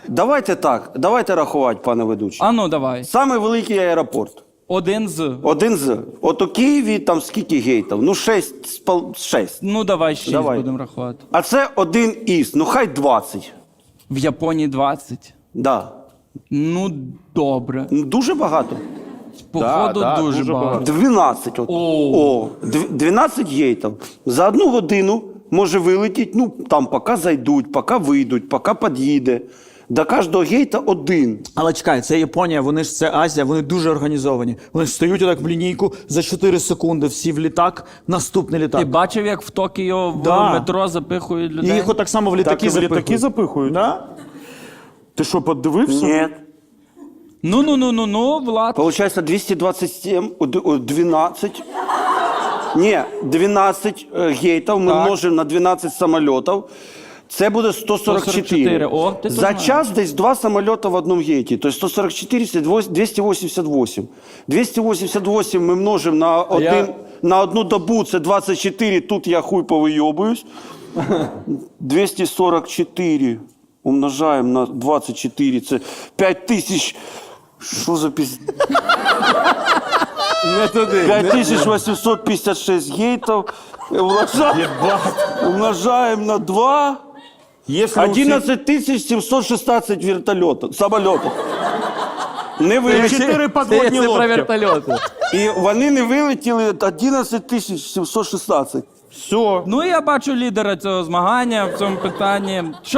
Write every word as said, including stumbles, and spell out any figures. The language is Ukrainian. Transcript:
Давайте так, давайте рахувати, пане ведучий. А ну, давай. Самий великий аеропорт. Один з. Один з. От у Києві там скільки гейтів? Ну, шесть, спал... шесть. Ну, давай шість Давай. будемо рахувати. А це один із, ну хай двадцять. В Японії двадцять. Да. Ну, добре. Ну, дуже багато. Походу, да, дуже, дуже багато. багато. дванадцять. От. О. О, дв- дванадцять гейтів. За одну годину може вилетіти, ну, там, поки зайдуть, поки вийдуть, поки під'їде. До кожного гейта один. Але чекай, це Японія, вони ж це Азія, вони дуже організовані. Вони ж стають отак в лінійку за чотири секунди, всі в літак, наступний літак. Ти бачив, як в Токіо в Да. метро запихують І людей? їх отак само в Так літаки і в запихують. літаки запихують? Да? Ти що, подивився? Ні. Ну-ну-ну-ну-ну, Влад. Получається двісті двадцять сім, о, д- о, дванадцять. Ні, дванадцять е, гейтів ми Так. множимо на дванадцять самольотів. Це буде сто сорок чотири. сто сорок чотири. О, ти то За знаєш. час десь два самоліти в одному гейті. Тобто сто сорок чотири – це двісті вісімдесят вісім. двісті вісімдесят вісім ми множимо на, один, я- на одну добу, це двадцять чотири, тут я хуй повийобуюсь. двісті сорок чотири умножаємо на двадцять чотири, це п'ять тисяч. Що за піз... Не туди. п'ять тисяч вісімсот п'ятдесят шість гейтів. Умножаємо, умножаємо на два. Якщо у всіх- одинадцять тисяч сімсот шістнадцять вертольотів, самольотів. Не Це вилетіли. чотири подводні Це про лодки. вертольоти. І вони не вилетіли одинадцять тисяч сімсот шістнадцять. Все. Ну, я бачу лідера цього змагання в цьому питанні. Що